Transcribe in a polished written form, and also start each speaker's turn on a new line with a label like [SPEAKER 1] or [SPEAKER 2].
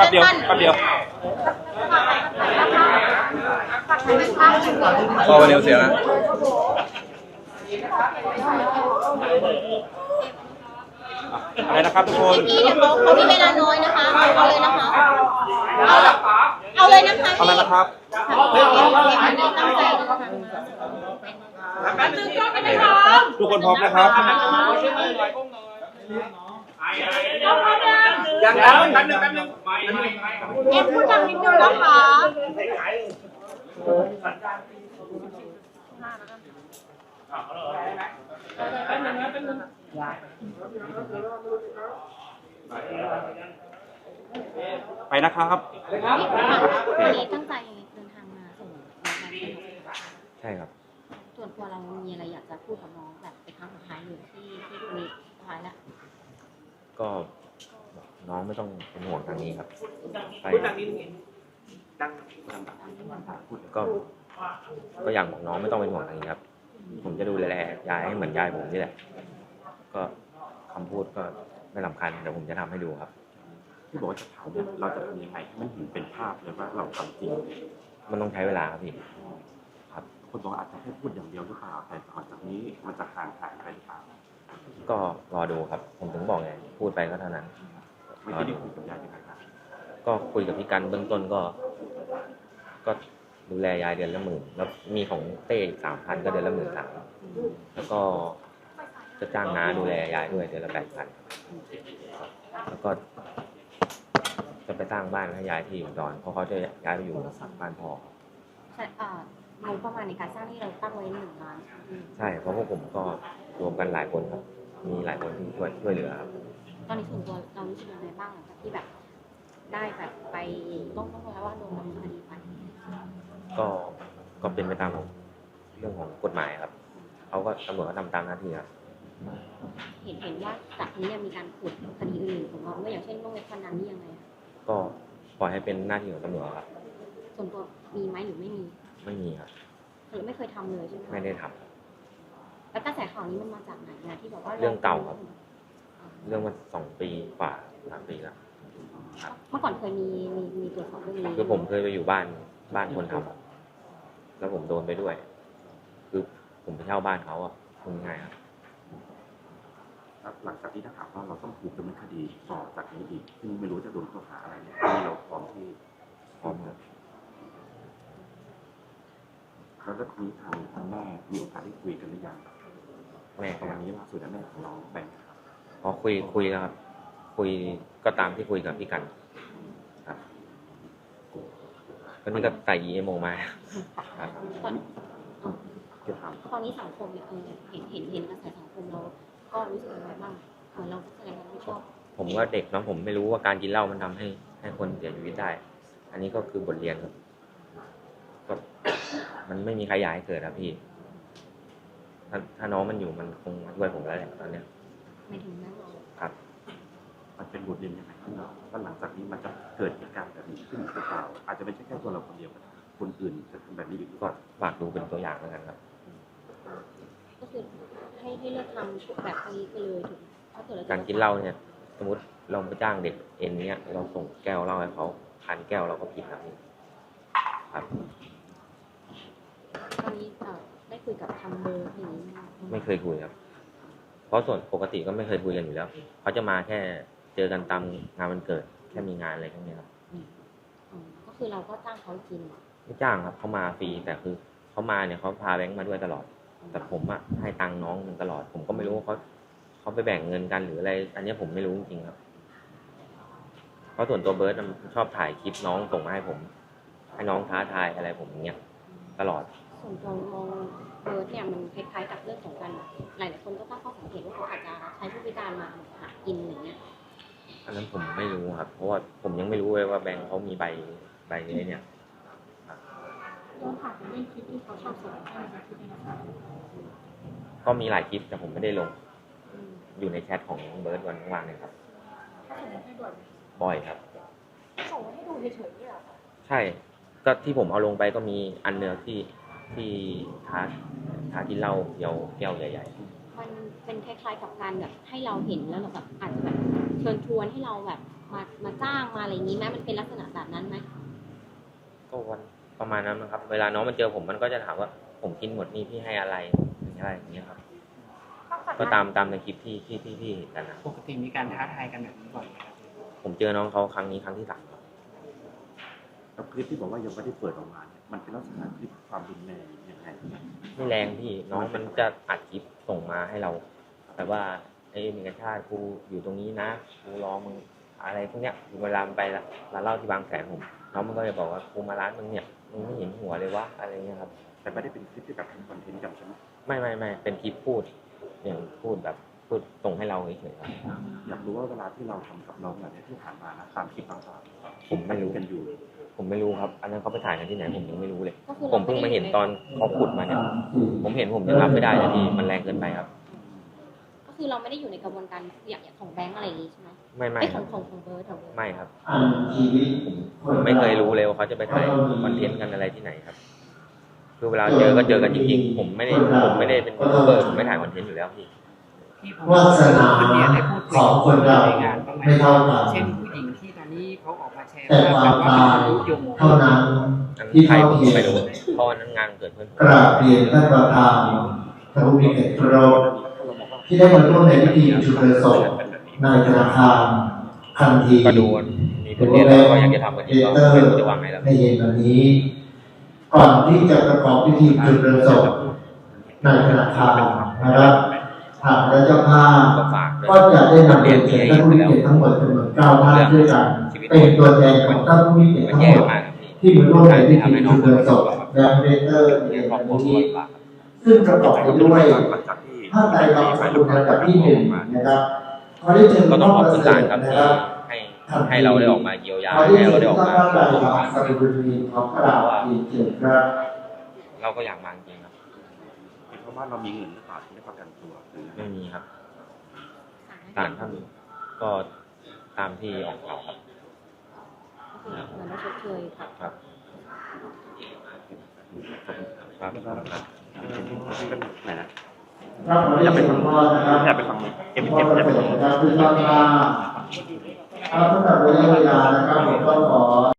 [SPEAKER 1] เดียวแป๊บเดียวพอวันเดียวเสียนะอะไรนะครับทุกคน
[SPEAKER 2] พี่เดี๋ยวเขามีเวลาน้อยนะคะเอาเลยนะคะเอาเลยนะคะ
[SPEAKER 1] เอาอะไรนะครับทุกคนพร้อมนะครับ
[SPEAKER 3] ยังแป๊บนึง
[SPEAKER 2] เอ็มพูดดังนิดนึงนะคะ
[SPEAKER 1] ไปนะครับ
[SPEAKER 2] วันนี้ตั้งใจเดินทางมาส่งน้อง
[SPEAKER 4] ใช่ครับ
[SPEAKER 2] ส่วนตัวเรามีอะไรอยากจะพูดกับน้องแบบเป็นครั้งสุดท้ายเลยที่วันนี้สุดท้ายแล้ว
[SPEAKER 4] ก็น้องไม่ต้องเป็นห่วงทางนี้ครับไปก็อยากบอกน้องไม่ต้องเป็นห่วงทางนี้ครับผมจะดูแลยายให้เหมือนยายผมนี่แหละก็คำพูดก็ไม่สำคัญแต่ผมจะทำให้ดูครับ
[SPEAKER 3] ที่บอกว่าจะทำเนี่ยเราจะทำยังไงให้มันเห็นเป็นภาพเลยว่าเราทำจริง
[SPEAKER 4] มันต้องใช้เวลาครับพี่ครับ
[SPEAKER 3] คนบอกอาจจะแค่พูดอย่างเดียวหรือเปล่าแต่หลังจากนี้มันจะห่างหายไปหรือเปล่า
[SPEAKER 4] ก็รอดูครับผมถึงบอกไงพูดไปก็เท่านั้น
[SPEAKER 3] ไม่ได้คุยกับยายยังไงครับ
[SPEAKER 4] ก็คุยกับพี่กันเบื้องต้นก็ดูแลยายเดือนละ10,000แล้วมีของเต้อีก3,000ก็เดือนละ13,000แล้วก็จะจ้างน้าดูแลยายด้วยเดือนละ8,000แล้วก็จะไปสร้างบ้านให้ยายที่อุดรเพราะเขาจะย้ายไปอยู่บ้านพ่อ
[SPEAKER 2] งบประมาณในการสร้างที่เราตั้งไว้1 ล้าน
[SPEAKER 4] ใช่เพราะพวกผมก็รวมกันหลายคนครับมีหลายคนที่ช่วยเหลือครับ
[SPEAKER 2] ตอนนี้ส่วนตัวเรารู้สึกยังไงบ้างหลังจากที่แบบได้แบบไปต้องแล้วว่าโดนดำเนินคดีไป
[SPEAKER 4] ก็เป็นไปตามเรื่องของกฎหมายครับเขาก็ตำรวจก็ทำตามหน้าที่ครับ
[SPEAKER 2] เห็นว่าจากนี้มีการขุดคดีอื่นของเราไม่อย่างเช่นเรื่องเว็บพนันนี่ยังไง
[SPEAKER 4] ก็ปล่อยให้เป็นหน้าที่ของตำรวจครับ
[SPEAKER 2] ส่วนตัวมีไหมหรือไม่มี
[SPEAKER 4] ไม่มีครับ
[SPEAKER 2] หรือไม่เคยทำเลยใช่ไหม
[SPEAKER 4] ไม่ได้ท
[SPEAKER 2] ำแล้วกระแสข่าวนี้มันมาจากไหนนะที่บอกว่า
[SPEAKER 4] เรื่องเก่าครับเรื่องมา2 ปีกว่า3 ปีแล้ว
[SPEAKER 2] เมื่อก่อนเคยมีตรวจสอบเรื่องนี้
[SPEAKER 4] คือผมเคยไปอยู่บ้านคนทำแล้วผมโดนไปด้วยคือผมไปเช่าบ้านเขาอ่ะคุณง่ายครับ
[SPEAKER 3] หลังจากที่ถ้าถามว่าเราต้องถูกดำเนินคดีต่อจากนี้อีกซึ่งไม่รู้จะโดนข้อหาอะไรเนี่ยที่เราพร้อมครับแล้วทีนี้ทางแม่มีโอกาสได้คุยกันหรือยัง
[SPEAKER 4] แม่
[SPEAKER 3] วันนี้ล่าสุดแม่ของน้องแบงค์ครับ
[SPEAKER 4] พอคุยแล้วครับคุยก็ตามที่คุยกับพี่กันครับก็นี่ก็ใส่ EMO มาครับ
[SPEAKER 2] ตอนนี้สังคมเนี่ยเห็นกระแสสังคมเราก็รู้สึกยังไงบ้างเหมือนเราแสดงความไม่ชอบ
[SPEAKER 4] ผมก็เด็กเนาะผมไม่รู้ว่าการกินเหล้ามันทำให้คนเสียชีวิตได้อันนี้ก็คือบทเรียนครับก็มันไม่มีใครอยากให้เกิดครับพี่ถ้าน้องมันอยู่มันคงมาช่วยผมแล้วแหละตอนเนี้ย
[SPEAKER 2] ไม่ถึงแม่เรา
[SPEAKER 4] ครับ
[SPEAKER 3] มันเป็นบทเรียนยังไงที่เราว่าหลังจากนี้มันจะเกิดเหตุการณ์แบบนี้ขึ้นหรือเปล่าอาจจะไม่ใช่แค่ตัวเราคนเดียวก็ได้คนอื่นจะทำแบบนี้หรือเป
[SPEAKER 4] ก็
[SPEAKER 3] ล่า
[SPEAKER 4] ฝากดูเป็นตัวอย่างแล้วกันครับ
[SPEAKER 2] ก็คือให้เลิกทำแบบนี้ไปเลยถึงถ้าเกิด
[SPEAKER 4] การกินเหล้าเนี่ยสมมติเราไปจ้างเด็กเอ็นเนี่ยเราส่งแก้วเหล้าให้เขา1,000 แก้วเราก็ผิดครับ
[SPEAKER 2] ตอนนี้ได้คุยกับทางเบอร์อย่างนี้
[SPEAKER 4] ไม่เคยคุยครับเพราะส่วนปกติก็ไม่เคยคุยกันอยู่แล้วเขาจะมาแค่เจอกันตามงานวันเกิดแค่มีงานอะไรแค่นี้ครับ
[SPEAKER 2] ก็คือเราก็จ้างเขากิน
[SPEAKER 4] ไม่จ้างครับเขามาฟรีแต่คือเขามาเนี่ยเขาพาแบงค์มาด้วยตลอดแต่ผมอะให้ตังค์น้องมันตลอดผมก็ไม่รู้ว่าเขาไปแบ่งเงินกันหรืออะไรอันนี้ผมไม่รู้จริงๆครับเพราะส่วนตัวเบิร์ดชอบถ่ายคลิปน้องส่งมาให้ผมให้น้องท้าทายอะไรผมอย่างเงี้ยตลอด
[SPEAKER 2] ส่วนตัวมองเบิร์ดเนี่ยมันคล้ายๆกับเรื่องของการหลายๆคนก็ตั้งข้อสังเกตว่าเขาอาจจะใช้ผู้พิการมาหากินอย่างเงี้ย
[SPEAKER 4] อันนั้นผมไม่รู้ครับเพราะว่าผมยังไม่รู้เลยว่าแบงค์เขามีใบนี้เนี่ย
[SPEAKER 2] ย้อนถามเรื่องคลิปที่เขาชอบส่งให้ในคลิปนี้นะคะ
[SPEAKER 4] ก็มีหลายคลิปแต่ผมไม่ได้ลงอยู่ในแชทของเบิร์ดวันว่างๆเนี่ยครับ
[SPEAKER 2] ส่งให้ด่วน
[SPEAKER 4] บ่อยครับ
[SPEAKER 2] ส่งให้ดูเฉยๆนี่หรอ
[SPEAKER 4] ใช่ก็ที่ผมเอาลงไปก็มีอันเนื้อที่ท้ากินเหล้าแก้วใหญ่
[SPEAKER 2] ๆมันเป็นคล้ายๆกับการแบบให้เราเห็นแล้วเราแบบอาจจะแบบเชิญชวนให้เราแบบมาจ้างมาอะไรอย่างนี้ไหมมันเป็นลักษณะแบบนั้นไหม
[SPEAKER 4] ก็วันประมาณนั้นนะครับ เวลาน้องมันเจอผมมันก็จะถามว่าผมกินหมดนี่พี่ให้อะไรอย่างเงี้ยครับ ก็ตามในคลิปที่เห็นกันนะ
[SPEAKER 5] ปกติมีการท้าทายกันแบบนี้บ่อยไหมครับ
[SPEAKER 4] ผมเจอน้องเขาครั้งนี้ครั้งที่ 3ครับ
[SPEAKER 3] แล้วคลิปที่บอกว่ายังไม่ได้เปิดออกมาเนี่ยมันเป็นลักษณะคลิปความรุนแรงยังไง
[SPEAKER 4] ไม่แรงพี่น้องมันจะอัดคลิปส่งมาให้เรา แต่ว่ามีกระชาติกูอยู่ตรงนี้นะกูรอมึงอะไรพวกเนี้ยเวลาไปร้านเหล้าที่บางแสนผมน้องมันก็จะบอกว่ากูมาร้านมึงเนี่ยมึงไม่เห็นหัวเลยวะอะไรเงี้ยครับ
[SPEAKER 3] แต่ไม่ได้เป็นคลิปที่แบบทำคอนเทนต์กันใช่ไหม
[SPEAKER 4] ไม่เป็นคลิปพูดอย่างพูดส่งให้เราเฉยๆครับ
[SPEAKER 3] อยากรู้ว่าเวลาที่เราทำกับน้องแบบนี้ที่ผ่านมานะตามคลิปต่างๆ
[SPEAKER 4] ผมไม่รู้
[SPEAKER 3] กันอยู่
[SPEAKER 4] ผมไม่รู้ครับ อันนั้นเขาไปถ่ายกันที่ไหนผมยังไม่รู้เลย
[SPEAKER 2] ก็คือ
[SPEAKER 4] ผมเพิ่งมาเห็นตอนเขาขุดมาเนี่ย ผมเห็นผมยังรับไม่ได้เลยพี่มันแรงเกินไปครับ
[SPEAKER 2] ก็คือเราไม่ได้อยู่ในกระบวนการอย่างของแบงก์อะไรอย่างนี้ใช่ไหม
[SPEAKER 4] ไม่
[SPEAKER 2] ไอ้ข
[SPEAKER 4] ค
[SPEAKER 2] อ
[SPEAKER 4] รั
[SPEAKER 2] ง
[SPEAKER 4] บ
[SPEAKER 2] ของเบิร์ดของเบิร์ด
[SPEAKER 4] ไม่ครับผมไม่เคยรู้เลยว่าเขาจะไปถ่ายคอนเทนต์กันอะไรที่ไหนครับ คือเวลาเจอก็เจอกันจริงๆผมไม่ได้เป็นยูทูบเบอร์ผมไม่ถ่ายคอนเทนต์อยู่แล้วพี่
[SPEAKER 5] ที่ผม
[SPEAKER 6] วาสนา
[SPEAKER 5] คนเนี้ยได้พูดคุย
[SPEAKER 6] ของคนเรา
[SPEAKER 5] ในงานบ้างไหม
[SPEAKER 6] ไม่เท่ากัน
[SPEAKER 5] เช่นผู้หญิงที่ตอนนี้เขาออกมาแชร์
[SPEAKER 6] แต่
[SPEAKER 5] ภาพ
[SPEAKER 6] ควา
[SPEAKER 5] กัน
[SPEAKER 6] ม
[SPEAKER 5] ว่า
[SPEAKER 6] ตาย
[SPEAKER 5] เป็นยุยง
[SPEAKER 6] เท่านั้น
[SPEAKER 4] อัน
[SPEAKER 6] ที่
[SPEAKER 4] ใคร
[SPEAKER 6] เท่า
[SPEAKER 4] ผม
[SPEAKER 6] เทียม
[SPEAKER 4] ไม่รู้เพราะวันนั้นงานเกิดเพื่อนผม
[SPEAKER 6] กราบเรียนท่านประธานทางวิเกตโรที่ได้มาร่วมในพิธีจุดเรือศพในธนาคารทันที
[SPEAKER 4] ก็ดูมีคนเรียนแล้วก็อยากจะทำกันอีกก็ไม่รู้จะวางไงแล้ว
[SPEAKER 6] ในเย็นวันนี้ ก่อนที่จะประกอบพิธีจุดเรือศพในธนาคารนะครับทางและเจ้าภาพ
[SPEAKER 4] ก็ฝากด้วย
[SPEAKER 6] ก็จะได้นำเรียนเชิญท่านผู้มีเกียรติทั้งหมดจำนวน9ท่านด้วยกันเป็นตัวแทนของท่านผู้มีเกียรติ
[SPEAKER 4] มัน
[SPEAKER 6] ทั้ง
[SPEAKER 4] แย่
[SPEAKER 6] หมด
[SPEAKER 4] มากครับพี่
[SPEAKER 6] ที่มาร่วมในพิธี
[SPEAKER 4] ทำให้น้อง
[SPEAKER 6] จุดเรือศพและเรเตอร์ใน
[SPEAKER 4] เรียนครอบ
[SPEAKER 6] วัน
[SPEAKER 4] ครัว
[SPEAKER 6] นี้
[SPEAKER 4] ลำบากครับ
[SPEAKER 6] ซึ่งประกอบไปด้วย
[SPEAKER 3] หลังจากที่
[SPEAKER 6] ท่านใดรับสกุลระดับที่1นะครับขอได้เชิญ
[SPEAKER 4] ก็
[SPEAKER 6] ท่าน
[SPEAKER 4] ต้องขอบ
[SPEAKER 6] ประ
[SPEAKER 4] คุณ
[SPEAKER 6] เสริ
[SPEAKER 4] ศาล
[SPEAKER 6] ฐ
[SPEAKER 4] ครับ
[SPEAKER 6] นะ
[SPEAKER 4] ที่
[SPEAKER 6] ครับ
[SPEAKER 4] ให้เราได้ออกมาเยียวยา
[SPEAKER 6] ขอได้
[SPEAKER 4] ให้
[SPEAKER 6] เชิ
[SPEAKER 4] เรา
[SPEAKER 6] ญ
[SPEAKER 4] ได้ออก
[SPEAKER 6] ท่าน
[SPEAKER 4] มา
[SPEAKER 6] ประหลัดสกุลนีของกระดาษดีเชิญครับ
[SPEAKER 4] เราก็อยากมาจริงๆครับ
[SPEAKER 3] เพราะว่าเรามีเงินหรือเปล่าที่ได้ประกันตัวหรือ
[SPEAKER 4] ไม่มีครับศาลท่านก็ตามที่ออกข่าวครับ
[SPEAKER 2] ก็คือเหมือนเราชดเชยค่ะ
[SPEAKER 4] ครับ ครับ
[SPEAKER 3] ไหนนะ
[SPEAKER 6] ครับขอได้เชิญคุณพ่อนะครับ
[SPEAKER 3] อยากไปฟังเอ็ม
[SPEAKER 6] พ่อ
[SPEAKER 3] อยาก
[SPEAKER 6] ประ
[SPEAKER 3] ไป
[SPEAKER 6] เสริ
[SPEAKER 3] ฟั
[SPEAKER 6] ฐ
[SPEAKER 3] ง
[SPEAKER 6] นะครับคือท่านว่าเอาสำหรับระยะเวลานะครับผมก็ขอ